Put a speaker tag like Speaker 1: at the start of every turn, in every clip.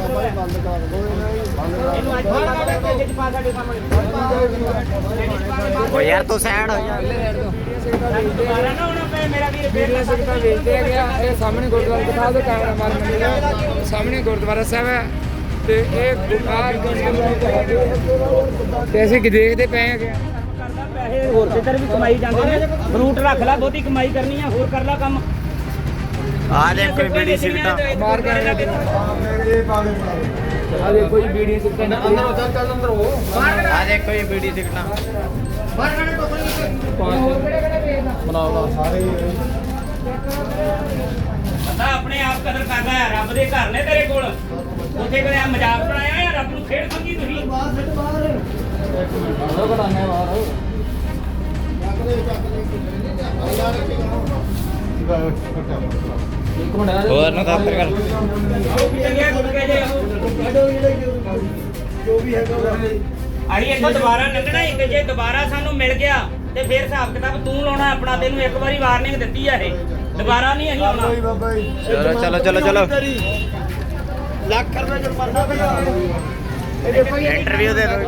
Speaker 1: यार तो सैड हो जा
Speaker 2: ਵੇਚਦੇ ਹੈਗੇ ਆ। ਇਹ ਸਾਹਮਣੇ ਗੁਰਦੁਆਰਾ ਦਿਖਾ ਦਿਓ, ਕੈਮਰਾ ਮਾਰ ਮੰਡੀ ਸਾਹਮਣੇ ਗੁਰਦੁਆਰਾ ਸਾਹਿਬ ਹੈ ਤੇ ਇਹ ਤੇ ਅਸੀਂ ਦੇਖਦੇ ਪਏ ਹੈਗੇ
Speaker 3: ਪੈਸੇ ਹੋਰ ਕਿਧਰ ਵੀ ਕਮਾਈ ਜਾਂਦੇ ਨੇ। ਫਰੂਟ ਰੱਖ ਲੈ, ਬਹੁਤੀ ਕਮਾਈ ਕਰਨੀ ਆ, ਹੋਰ ਕਰ ਲੈ ਕੰਮ।
Speaker 1: आ दे कोई बीड़ी सिगटा
Speaker 2: ਮਾਰ ਕੇ ਆਏ ਨੇ। ਆ ਦੇਖੋ ਜੀ ਵੀਡੀਓ ਸਿੱਟੇ ਨੇ ਅੰਦਰ ਹੋ ਚੱਲ ਅੰਦਰ ਹੋ।
Speaker 1: आ दे कोई बीड़ी सिगटा
Speaker 2: ਬਣਾਓ ਸਾਰੇ
Speaker 3: ਬੰਦਾ ਆਪਣੇ ਆਪ ਕਦਰ ਕਰਦਾ ਹੈ। ਰੱਬ ਦੇ ਘਰ ਨੇ ਤੇਰੇ ਕੋਲ, ਉੱਥੇ ਕਿਹੜਾ ਮਜ਼ਾਕ ਬਣਾਇਆ ਜਾਂ ਰੱਬ ਨੂੰ ਖੇਡ ਸਮਝੀ ਤੁਸੀਂ?
Speaker 1: और ना कर
Speaker 3: ਅਸੀਂ ਇੱਥੋਂ ਦੁਬਾਰਾ ਲੰਘਣਾ ਹੀ, ਤੇ ਜੇ ਦੁਬਾਰਾ ਸਾਨੂੰ ਮਿਲ ਗਿਆ ਤੇ ਫਿਰ ਹਿਸਾਬ ਕਿਤਾਬ ਤੂੰ ਲਾਉਣਾ ਆਪਣਾ। ਤੈਨੂੰ ਇੱਕ ਵਾਰੀ ਵਾਰਨਿੰਗ ਦਿੱਤੀ ਆ, ਇਹ ਦੁਬਾਰਾ ਨਹੀਂ ਅਸੀਂ ਆਉਣਾ।
Speaker 1: चलो चलो चलो चलो इंटरव्यू दे दो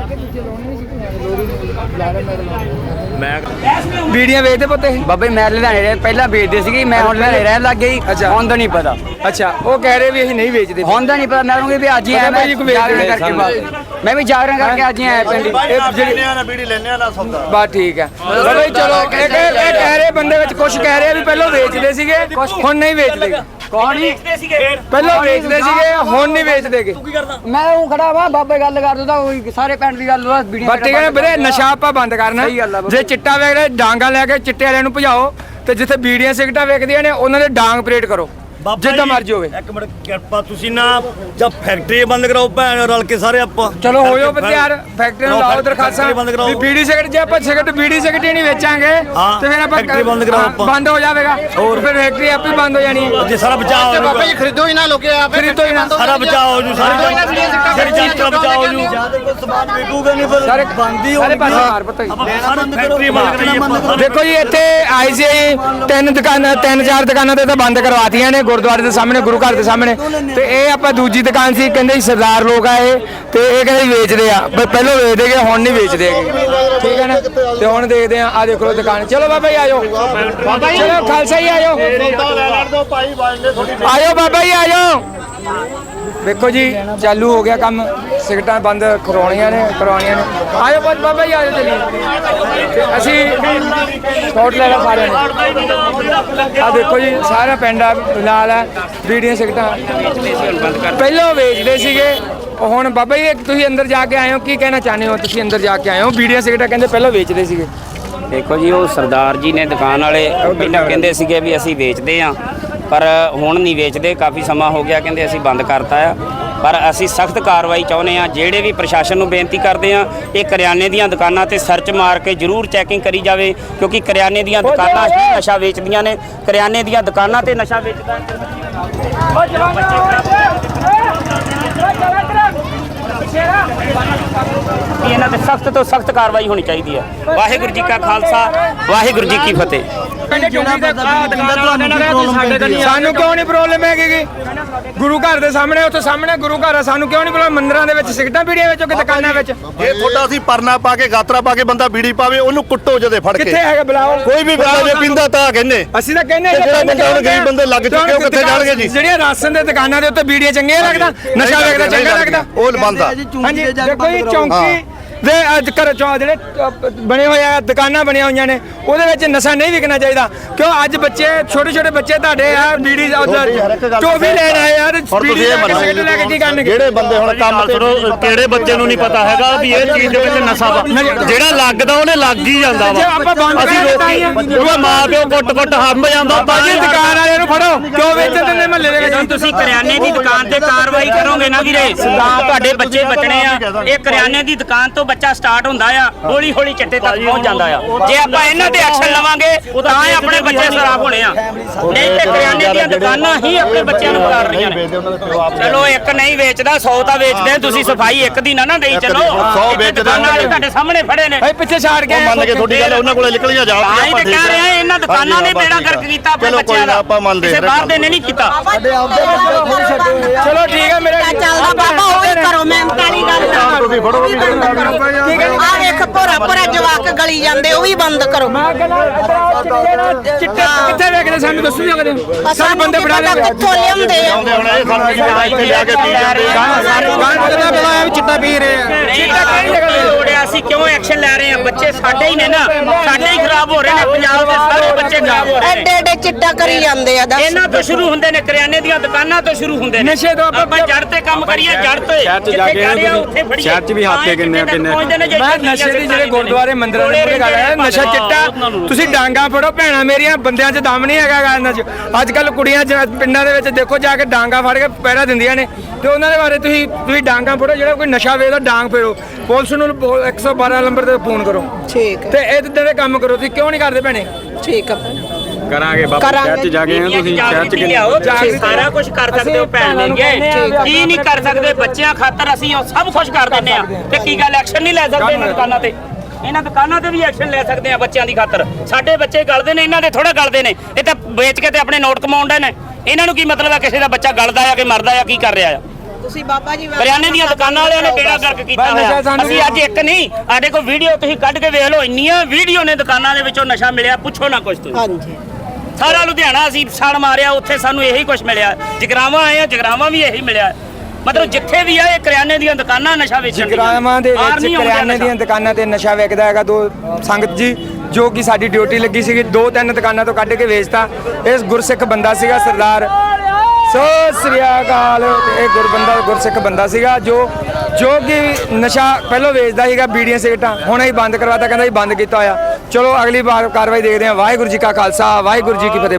Speaker 1: मैं
Speaker 2: ਵੀਡੀਓ ਵੇਚਦੇ ਪੁੱਤੇ
Speaker 4: ਬਾਬੇ ਮੈਂ ਲੁਧਿਆਣੇ ਰਹਿ ਪਹਿਲਾਂ ਵੇਚਦੇ ਸੀਗੇ, ਮੈਂ ਹੁਣ ਲੁਧਿਆਣੇ ਰਹਿਣ ਲੱਗ ਗਈ। ਹੁਣ ਤਾਂ ਨਹੀਂ ਪਤਾ।
Speaker 2: ਅੱਛਾ, ਉਹ ਕਹਿ ਰਹੇ ਵੀ ਅਸੀਂ ਨਹੀਂ ਵੇਚਦੇ।
Speaker 4: ਹੁਣ ਤਾਂ ਨਹੀਂ ਪਤਾ। ਮੈਂ ਕਹੂੰਗੀ ਵੀ ਅੱਜ ਹੀ ਆਇਆ, ਮੈਂ ਜਾਗਰਣ ਕਰਕੇ ਬਾਅਦ ਮੈਂ ਵੀ ਜਾਗਰਣ ਕਰਕੇ ਅੱਜ ਹੀ ਆਇਆ ਪਿੰਡ।
Speaker 2: ਇਹ ਜਿਹੜੀ ਬੀੜੀ ਲੈਣੇ ਆ ਨਾ ਸੌਦਾ ਬਸ ਠੀਕ ਹੈ ਬਾਬਾ ਜੀ। ਚਲੋ ਇਹ ਕਹਿ ਰਹੇ ਬੰਦੇ ਵਿੱਚ ਕੁਝ ਕਹਿ ਰਹੇ ਵੀ ਪਹਿਲਾਂ ਵੇਚਦੇ ਸੀਗੇ ਹੁਣ ਨਹੀਂ ਵੇਚਦੇ।
Speaker 4: ਕੌਣ ਨਹੀਂ
Speaker 2: ਪਹਿਲਾਂ ਵੇਚਦੇ ਸੀਗੇ ਹੁਣ ਨਹੀਂ ਵੇਚਦੇਗੇ।
Speaker 4: ਮੈਂ ਉਹ ਖੜਾ ਵਾ ਬਾਬੇ ਗੱਲ ਕਰ ਦੋ ਤਾਂ ਉਹੀ ਸਾਰੇ ਪਿੰਡ ਦੀ ਗੱਲ ਵੀਡੀਓ
Speaker 2: ਬਸ ਠੀਕ ਹੈ ਵੀਰੇ, ਨਸ਼ਾ ਆਪਾਂ ਬੰਦ ਕਰਨਾ। ਜੇ ਚਿੱਟਾ ਵੇਚਦੇ ਡਾਂਗਾ ਲੈ ਕੇ ਚਿੱਟੇ ਵਾਲਿਆਂ ਨੂੰ ਭਜਾਓ, ਤੇ ਜਿੱਥੇ ਬੀੜੀਆਂ ਸਿਗਰਟਾਂ ਵੇਚਦੀਆਂ ਨੇ ਉਹਨਾਂ ਦੇ ਡਾਂਗ ਪਰੇਡ ਕਰੋ ਜਿੱਦਾਂ ਮਰਜੀ ਹੋਵੇ।
Speaker 5: ਇੱਕ ਮਿੰਟ ਕਿਰਪਾ ਤੁਸੀਂ ਨਾ ਜਦ ਫੈਕਟਰੀ ਬੰਦ ਕਰਾਓ ਭੈਣ ਰਲ ਕੇ ਸਾਰੇ ਆਪਾਂ।
Speaker 2: ਚਲੋ ਹੋ ਜਾਓ ਤਿਆਰ, ਫੈਕਟਰੀ ਨੂੰ ਲਾਓ ਦਰਖਾਸਤਾਂ ਵੀ ਬੀੜੀ ਸਿਗਰਟ। ਜੇ ਆਪਾਂ ਸਿਗਰਟ ਬੀੜੀ ਸਿਗਰਟ ਹੀ ਨਹੀਂ ਵੇਚਾਂਗੇ ਤੇ ਫਿਰ ਆਪਾਂ
Speaker 5: ਫੈਕਟਰੀ ਬੰਦ ਕਰਾਓ ਆਪਾਂ।
Speaker 2: ਬੰਦ ਹੋ ਜਾਵੇਗਾ, ਹੋਰ ਫਿਰ ਫੈਕਟਰੀ ਆਪੇ ਬੰਦ ਹੋ ਜਾਣੀ ਹੈ।
Speaker 5: ਜੇ ਸਾਰਾ ਬਚਾਅ ਹੋ ਜਾਊਗਾ।
Speaker 1: बाबा जी खरीदो ही ना लोगे आप
Speaker 2: ਖਰੀਦੋ ਹੀ ਨਾ
Speaker 5: ਸਾਰਾ ਬਚਾਅ ਹੋ ਜੂ, ਸਾਰੀ ਚੀਜ਼ ਦਾ ਬਚਾਅ ਹੋ ਜੂ। ਸਮਾਨ ਵਿਕੂਗਾ ਨਹੀਂ ਫਿਰ
Speaker 2: ਸਾਰੇ
Speaker 5: ਬੰਦ ਹੀ
Speaker 2: ਸਾਰੇ ਪਾਸੇ
Speaker 5: ਹੋਊਗਾ।
Speaker 2: ਮਾਰ ਪਤਾ
Speaker 5: ਫੈਕਟਰੀ ਬੰਦ ਕਰਾਈਏ ਆਪਾਂ।
Speaker 2: ਦੇਖੋ ਜੀ ਇੱਥੇ ਆਈ ਸੀ ਤਿੰਨ ਚਾਰ ਦੁਕਾਨਾਂ ਤੇ ਤਾਂ ਬੰਦ ਕਰਵਾਤੀਆਂ ਨੇ ਗੁਰਦੁਆਰੇ ਦੇ ਸਾਹਮਣੇ, ਗੁਰੂ ਘਰ ਦੇ ਸਾਹਮਣੇ। ਤੇ ਇਹ ਆਪਾਂ ਦੂਜੀ ਦੁਕਾਨ ਸੀ, ਕਹਿੰਦੇ ਸਰਦਾਰ ਲੋਕ ਆ ਇਹ, ਤੇ ਇਹ ਕਹਿੰਦੇ ਵੇਚਦੇ ਆ। ਪਹਿਲਾਂ ਵੇਚਦੇ ਗਏ, ਹੁਣ ਨਹੀਂ ਵੇਚਦੇ ਹੈਗੇ, ਠੀਕ ਹੈ ਨਾ। ਤੇ ਹੁਣ ਦੇਖਦੇ ਆ, ਆ ਦੇਖੋ ਦੁਕਾਨ। ਚਲੋ ਬਾਬਾ ਜੀ ਆਜੋ, ਚਲੋ ਖਾਲਸਾ ਜੀ ਆਜੋ, ਆਜੋ ਬਾਬਾ ਜੀ ਆਜੋ। ਵੇਖੋ ਜੀ ਚਾਲੂ ਹੋ ਗਿਆ ਕੰਮ, ਸਿਗਰਟਾਂ ਬੰਦ ਕਰਵਾਉਣੀਆਂ ਨੇ। ਆਜੋ ਬਾਬਾ ਜੀ ਆਜੋ, ਚਲੀਏ। ਅਸੀਂ ਸਪੋਰਟ ਲੈ ਲਾ ਸਾਰਿਆਂ ਨੇ। ਆ ਦੇਖੋ ਜੀ ਸਾਰਾ ਪਿੰਡ ਆ ਨਾਲ ਹੈ। ਬੀੜੀਆਂ ਸਿਗਰਟਾਂ ਪਹਿਲਾਂ ਵੇਚਦੇ ਸੀਗੇ, ਹੁਣ ਬਾਬਾ ਜੀ ਤੁਸੀਂ ਅੰਦਰ ਜਾ ਕੇ ਆਏ ਹੋ, ਕੀ ਕਹਿਣਾ ਚਾਹੁੰਦੇ ਹੋ? ਤੁਸੀਂ ਅੰਦਰ ਜਾ ਕੇ ਆਏ ਹੋ, ਬੀੜੀਆਂ ਸਿਗਰਟਾਂ ਕਹਿੰਦੇ ਪਹਿਲਾਂ ਵੇਚਦੇ ਸੀਗੇ।
Speaker 6: ਦੇਖੋ ਜੀ, ਉਹ ਸਰਦਾਰ ਜੀ ਨੇ ਦੁਕਾਨ ਵਾਲੇ ਪਹਿਲਾਂ ਕਹਿੰਦੇ ਸੀਗੇ ਵੀ ਅਸੀਂ ਵੇਚਦੇ ਆ, ਪਰ ਹੁਣ ਨਹੀਂ ਵੇਚਦੇ। ਕਾਫੀ ਸਮਾਂ ਹੋ ਗਿਆ ਕਹਿੰਦੇ ਅਸੀਂ ਬੰਦ ਕਰਤਾ ਆ, ਪਰ ਅਸੀਂ ਸਖਤ ਕਾਰਵਾਈ ਚਾਹੁੰਦੇ ਆ। ਜਿਹੜੇ ਵੀ ਪ੍ਰਸ਼ਾਸਨ ਨੂੰ ਬੇਨਤੀ ਕਰਦੇ ਆ, ਇਹ ਕਰਿਆਨੇ ਦੀਆਂ ਦੁਕਾਨਾਂ ਤੇ ਸਰਚ ਮਾਰ ਕੇ ਜ਼ਰੂਰ ਚੈਕਿੰਗ ਕਰੀ ਜਾਵੇ, ਕਿਉਂਕਿ ਕਰਿਆਨੇ ਦੀਆਂ ਦੁਕਾਨਾਂ ਹੀ ਨਸ਼ਾ ਵੇਚਦੀਆਂ ਨੇ। ਕਰਿਆਨੇ ਦੀਆਂ ਦੁਕਾਨਾਂ ਤੇ ਨਸ਼ਾ ਵੇਚਦਾ ਇਹਨਾਂ ਤੇ ਸਖਤ ਤੋਂ ਸਖਤ ਕਾਰਵਾਈ ਹੋਣੀ ਚਾਹੀਦੀ ਹੈ। ਵਾਹਿਗੁਰੂ ਜੀ ਕਾ ਖਾਲਸਾ, ਵਾਹਿਗੁਰੂ ਜੀ ਕੀ ਫਤਿਹ।
Speaker 2: ਸਾਨੂੰ ਕਿਉਂ ਨਹੀਂ ਪ੍ਰੋਬਲਮ ਹੈਗੀ? ਗੁਰੂ ਘਰ ਦੇ ਸਾਹਮਣੇ, ਉੱਥੇ ਸਾਹਮਣੇ ਗੁਰੂ ਘਰ ਆ, ਸਾਨੂੰ ਕਿਉਂ ਨਹੀਂ ਪ੍ਰੋਬਲਮ? ਮੰਦਿਰਾਂ ਦੇ ਵਿੱਚ ਸਿਗਰਟਾਂ ਬੀੜੀਆਂ ਵੇਚੋ ਕਿ ਦੁਕਾਨਾਂ ਵਿੱਚ?
Speaker 5: ਜੇ ਤੁਹਾਡਾ ਅਸੀਂ ਪਰਨਾ ਪਾ ਕੇ ਗਾਤਰਾ ਪਾ ਕੇ ਬੰਦਾ ਬੀੜੀ ਪਾਵੇ, ਉਹਨੂੰ ਕੁੱਟੋ ਜਦੇ ਫੜ ਕੇ।
Speaker 2: ਕਿੱਥੇ ਹੈਗਾ ਬੁਲਾਓ?
Speaker 5: ਕੋਈ ਵੀ ਬੰਦਾ ਜੇ ਪੀਂਦਾ ਤਾਂ ਕਹਿੰਦੇ
Speaker 2: ਅਸੀਂ ਤਾਂ ਕਹਿੰਦੇ
Speaker 5: ਜਿਹੜਾ ਬੰਦਾ ਹੁਣ ਗਰੀਬ ਬੰਦੇ ਲੱਗ ਚੁੱਕੇ, ਉਹ ਕਿੱਥੇ ਜਾਣਗੇ ਜੀ?
Speaker 2: ਜਿਹੜੀਆਂ ਰਾਸ਼ਨ ਦੇ ਦੁਕਾਨਾਂ ਦੇ ਉੱਤੇ ਬੀੜੀਆਂ ਚੰਗੀਆਂ ਲੱਗਦਾ, ਨਸ਼ਾ ਵੇਚਦਾ ਚੰਗਾ ਲੱਗਦਾ?
Speaker 5: ਉਹ ਬੰਦ ਆ।
Speaker 2: ਹਾਂਜੀ, ਦੇਖੋ ਜੀ ਚੌਂਕੀ ਦੇ ਅੱਜ ਘਰ ਜਿਹੜੇ ਬਣੇ ਹੋਏ ਆ, ਦੁਕਾਨਾਂ ਬਣੀਆਂ ਹੋਈਆਂ ਨੇ, ਉਹਦੇ ਵਿੱਚ ਨਸ਼ਾ ਨਹੀਂ ਵਿਕਣਾ ਚਾਹੀਦਾ। ਕਿਉਂ ਅੱਜ ਬੱਚੇ ਛੋਟੇ ਤੁਹਾਡੇ ਤੁਹਾਡੇ ਆ ਬੀੜੀ ਟੋਫੀ ਲੈਣ ਆਏ ਯਾਰ, ਬੀੜੀ ਸਿਗਰਟ ਲੈ ਕੇ ਕੀ ਕਰਨਗੇ?
Speaker 5: ਜਿਹੜੇ ਬੰਦੇ ਹੁਣ ਕੰਮ ਕਿਹੜੇ ਬੱਚੇ ਨੂੰ ਨਹੀਂ ਪਤਾ ਹੈਗਾ ਵੀ ਇਹ ਚੀਜ਼ ਦੇ ਵਿੱਚ ਨਸ਼ਾ ਵਾ। ਜਿਹੜਾ ਲੱਗਦਾ ਉਹਨੇ ਲੱਗ ਹੀ ਜਾਂਦਾ ਵਾ।
Speaker 2: ਆਪਾਂ ਬੰਦ
Speaker 5: ਉਹ ਮਾਂ ਪਿਓ ਕੁੱਟ ਹੰਬ ਜਾਂਦਾ।
Speaker 2: ਬਾਜੀ ਦੁਕਾਨ ਵਾਲਿਆਂ ਨੂੰ ਫੜੋ, ਕਿਉਂ ਵੇਚਦੇ ਨੇ ਮਹੱਲੇ ਦੇ ਵਿੱਚ?
Speaker 6: ਤੁਸੀਂ ਕਰਿਆਨੇ ਦੀ ਦੁਕਾਨ ਤੇ ਕਾਰਵਾਈ ਕਰੋਗੇ ਨਾ ਵੀਰੇ, ਤਾਂ ਤੁਹਾਡੇ ਬੱਚੇ ਬਚਣੇ ਆ। ਇਹ ਕਰਿਆਨੇ ਦੀ ਦੁਕਾਨ ਤੋਂ ਬੱਚਾ ਸਟਾਰਟ ਹੁੰਦਾ ਆ, ਹੌਲੀ ਹੌਲੀ ਚਿੱਟੇ ਤੱਕ ਪਹੁੰਚ ਜਾਂਦਾ ਆ। ਜੇ ਆਪਾਂ ਇਹਨਾਂ ਤੇ ਐਕਸ਼ਨ ਲਵਾਂਗੇ ਤਾਂ ਆਪਣੇ ਬੱਚੇ ਸਰਾਫ ਹੋਣੇ ਆ, ਨਹੀਂ ਤੇ ਕਰਿਆਨੇ ਦੀਆਂ ਦੁਕਾਨਾਂ ਹੀ ਆਪਣੇ ਬੱਚਿਆਂ ਨੂੰ ਵਿਗਾੜ ਰਹੀਆਂ ਨੇ। ਚਲੋ ਇੱਕ ਨਹੀਂ ਵੇਚਦਾ, 100 ਤਾਂ ਵੇਚਦੇ। ਤੁਸੀਂ ਸਫਾਈ ਇੱਕ ਦੀ ਨਾ ਦੇਈ ਚਲੋ।
Speaker 5: 100 ਵੇਚਦੇ
Speaker 6: ਦੁਕਾਨਾਂ ਵਾਲੇ ਤੁਹਾਡੇ ਸਾਹਮਣੇ ਫੜੇ ਨੇ,
Speaker 2: ਪਿੱਛੇ ਛਾੜ ਕੇ
Speaker 5: ਮੰਨ ਕੇ ਤੁਹਾਡੀ ਗੱਲ ਉਹਨਾਂ ਕੋਲੇ ਨਿਕਲੀਆਂ ਜਾਓ।
Speaker 6: ਤਾਂ ਹੀ ਤਾਂ ਕਹਿ ਰਹੇ ਆ, ਇਹਨਾਂ ਦੁਕਾਨਾਂ ਨੇ ਬੇੜਾ ਗਰਕ ਕੀਤਾ ਆਪਣੇ ਬੱਚਿਆਂ ਦਾ, ਕਿਸੇ ਬਾਹਰ ਦੇ ਨੇ ਨਹੀਂ ਕੀਤਾ।
Speaker 2: ਚਲੋ ਠੀਕ ਹੈ ਮੇਰੇ
Speaker 7: ਚੱਲਦਾ ਬਾਬਾ ਉਹੀ ਕਰੋ ਮਿਹਨਤ ਵਾਲੀ ਗੱਲ
Speaker 5: ਤੁਸੀਂ ਫੜੋ ਵੀ
Speaker 7: ਆ ਵੇਖ ਭੋਰਾ ਜਵਾਕ ਗਲੀ ਜਾਂਦੇ ਉਹ ਵੀ ਬੰਦ ਕਰੋ।
Speaker 2: ਮੈਂ ਕਹਿੰਦਾ ਚਿੱਟੇ ਕਿੱਥੇ ਵੇਖਦੇ ਸਾਨੂੰ ਦੱਸੋ ਜੀ ਕਦੇ ਸਾਨੂੰ ਬੰਦੇ ਫੜਾ
Speaker 7: ਪਤਾ ਕਿੱਥੋਂ ਲਿਆਉਂਦੇ ਆ।
Speaker 5: ਹੁਣ ਇਹ ਸਾਨੂੰ ਇੱਥੇ ਜਾ ਕੇ ਪੀ ਜਾਂਦੇ
Speaker 1: ਚਿੱਟਾ ਪੀ ਰਹੇ ਆ
Speaker 3: ਅਸੀਂ ਕਿਉਂ ਐਕਸ਼ਨ ਲੈ ਰਹੇ ਆ? ਬੱਚੇ ਸਾਡੇ ਹੀ ਨੇ ਨਾ, ਸਾਡੇ ਹੀ ਖਰਾਬ ਹੋ ਰਹੇ ਨੇ, ਪੰਜਾਬ ਦੇ ਸਾਰੇ ਬੱਚੇ ਖਰਾਬ ਹੋ ਰਹੇ ਨੇ।
Speaker 7: ਐਡੇ ਚਿੱਟਾ ਕਰੀ ਜਾਂਦੇ ਆ। ਦੱਸ
Speaker 3: ਇਹਨਾਂ ਤੋਂ ਸ਼ੁਰੂ ਹੁੰਦੇ ਨੇ, ਕਰਿਆਨੇ ਦੀਆਂ ਦੁਕਾਨਾਂ ਤੋਂ ਸ਼ੁਰੂ ਹੁੰਦੇ ਨੇ।
Speaker 2: ਨਸ਼ੇ ਤੋਂ
Speaker 3: ਆਪਾਂ ਜੜ ਤੇ ਕੰਮ ਕਰੀਏ, ਜੜ ਤੇ
Speaker 1: ਸ਼ਹਿਰ 'ਚ ਜਾ ਕੇ ਸ਼ਹਿਰ 'ਚ ਵੀ ਹੱਥ ਤੇ ਕਿੰਨੇ
Speaker 2: ਮੈਂ ਨਸ਼ੇ ਦੀ ਜਿਹੜੇ ਗੁਰਦੁਆਰੇ ਮੰਦਿਰਾਂ ਦੇ ਮੂਹਰੇ ਗੱਲ ਹੈ, ਨਸ਼ਾ ਚਿੱਟਾ ਤੁਸੀਂ ਡਾਂਗਾ ਫੜੋ ਭੈਣਾਂ ਮੇਰੀਆਂ, ਬੰਦਿਆਂ 'ਚ ਦਮ ਨਹੀਂ ਹੈਗਾ ਇਹਨਾਂ 'ਚ। ਅੱਜ ਕੱਲ ਕੁੜੀਆਂ ਪਿੰਡਾਂ ਦੇ ਵਿੱਚ ਦੇਖੋ ਜਾ ਕੇ ਡਾਂਗਾ ਫੜ ਕੇ ਪਹਿਰਾ ਦਿੰਦੀਆਂ ਨੇ, ਤੇ ਉਹਨਾਂ ਦੇ ਬਾਰੇ ਤੁਸੀਂ ਡਾਂਗਾ ਫੜੋ। ਜਿਹੜਾ ਕੋਈ ਨਸ਼ਾ ਵੇਚਦਾ ਡਾਂਗ ਫੇਰੋ, ਪੁਲਿਸ ਨੂੰ 112 ਨੰਬਰ ਤੇ ਫੋਨ ਕਰੋ
Speaker 7: ਠੀਕ
Speaker 2: ਤੇ ਇਦਾਂ ਦੇ ਕੰਮ ਕਰੋ। ਤੁਸੀਂ ਕਿਉਂ ਨਹੀਂ ਕਰਦੇ ਭੈਣੇ?
Speaker 7: ਠੀਕ ਆ
Speaker 1: ਕਰਾਂਗੇ ਬਾਬਾ ਸ਼ਹਿਰ 'ਚ ਜਾ ਕੇ ਤੁਸੀਂ ਸ਼ਹਿਰ 'ਚ
Speaker 3: ਤੁਸੀਂ ਸਾਰਾ ਕੁਝ ਕਰ ਸਕਦੇ ਹੋ ਭੈਣ ਮੇਰੀਏ, ਕੀ ਨਹੀਂ ਕਰ ਸਕਦੇ? ਬੱਚਿਆਂ ਖਾਤਰ ਅਸੀਂ ਉਹ ਸਭ ਕੁਝ ਕਰ ਦਿੰਦੇ ਆ, ਤੇ ਕੀ ਗੱਲ ਐਕਸ਼ਨ ਨਹੀਂ ਲੈ ਸਕਦੇ ਇਹਨਾਂ ਦੁਕਾਨਾਂ ਤੇ? ਇਹਨਾਂ ਦੁਕਾਨਾਂ ਤੇ ਵੀ ਐਕਸ਼ਨ ਲੈ ਸਕਦੇ ਆ ਬੱਚਿਆਂ ਦੀ ਖਾਤਰ। ਸਾਡੇ ਬੱਚੇ ਗਲਦੇ ਨੇ, ਇਹਨਾਂ ਦੇ ਥੋੜਾ ਗਲਦੇ ਨੇ। ਇਹ ਤਾਂ ਵੇਚ ਕੇ ਤੇ ਆਪਣੇ ਨੋਟ ਕਮਾਉਂਦੇ ਨੇ। ਇਹਨਾਂ ਨੂੰ ਕੀ ਮਤਲਬ ਆ ਕਿਸੇ ਦਾ ਬੱਚਾ ਗਲਦਾ ਆ ਕਿ ਮਰਦਾ ਆ, ਕੀ ਕਰ ਰਿਹਾ ਆ?
Speaker 7: ਤੁਸੀਂ ਬਾਬਾ ਜੀ
Speaker 3: ਕਰਿਆਨੇ ਦੀਆਂ ਦੁਕਾਨਾਂ ਵਾਲਿਆਂ ਨੇ ਬੇੜਾ ਗਰਕ ਕੀਤਾ ਹੋਇਆ। ਅਸੀਂ ਅੱਜ ਇੱਕ ਨਹੀਂ, ਸਾਡੇ ਕੋਲ ਵੀਡੀਓ ਤੁਸੀਂ ਕੱਢ ਕੇ ਵੇਖ ਲਓ, ਇੰਨੀਆਂ ਵੀਡੀਓ ਨੇ ਦੁਕਾਨਾਂ ਦੇ ਵਿੱਚੋਂ ਨਸ਼ਾ ਮਿਲਿਆ, ਪੁੱਛੋ ਨਾ ਕੁਝ ਤੁਸੀਂ।
Speaker 7: ਹਾਂਜੀ
Speaker 3: ਸਾਰਾ ਲੁਧਿਆਣਾ ਅਸੀਂ ਸੜ ਮਾਰਿਆ, ਉੱਥੇ ਸਾਨੂੰ ਇਹੀ ਕੁਝ ਮਿਲਿਆ। ਜਗਰਾਵਾਂ ਆਏ ਆ, ਜਗਰਾਵਾਂ ਵੀ ਇਹੀ ਮਿਲਿਆ। ਮਤਲਬ ਜਿੱਥੇ ਵੀ ਆ ਇਹ ਕਰਿਆਨੇ ਦੀਆਂ ਦੁਕਾਨਾਂ ਨਸ਼ਾ ਵੇਚਣ ਦੀਆਂ।
Speaker 2: ਜਗਰਾਵਾਂ ਦੇ ਵਿੱਚ ਕਰਿਆਨੇ ਦੀਆਂ ਦੁਕਾਨਾਂ ਤੇ ਨਸ਼ਾ ਵਿਕਦਾ ਹੈਗਾ। ਦੋ ਸੰਗਤ ਜੀ ਜੋ ਕਿ ਸਾਡੀ ਡਿਊਟੀ ਲੱਗੀ ਸੀਗੀ, 2-3 ਦੁਕਾਨਾਂ ਤੋਂ ਕੱਢ ਕੇ ਵੇਚਤਾ। ਇਸ ਗੁਰਸਿੱਖ ਬੰਦਾ ਸੀਗਾ ਸਰਦਾਰ ਸਤਿ ਸ੍ਰੀ ਅਕਾਲ। ਇਹ ਗੁਰਸਿੱਖ ਬੰਦਾ ਸੀਗਾ ਜੋ ਕਿ ਨਸ਼ਾ ਪਹਿਲਾਂ ਵੇਚਦਾ ਸੀਗਾ, ਬੀੜੀਆਂ ਸਿਗਰਟਾਂ, ਹੁਣ ਇਹ ਬੰਦ ਕਰਵਾਤਾ। ਕਹਿੰਦਾ ਜੀ ਬੰਦ ਕੀਤਾ ਹੋਇਆ। ਚਲੋ ਅਗਲੀ ਵਾਰ ਕਾਰਵਾਈ ਦੇਖਦੇ ਹਾਂ। ਵਾਹਿਗੁਰੂ ਜੀ ਕਾ ਖਾਲਸਾ, ਵਾਹਿਗੁਰੂ ਜੀ ਕੀ ਫਤਿਹ।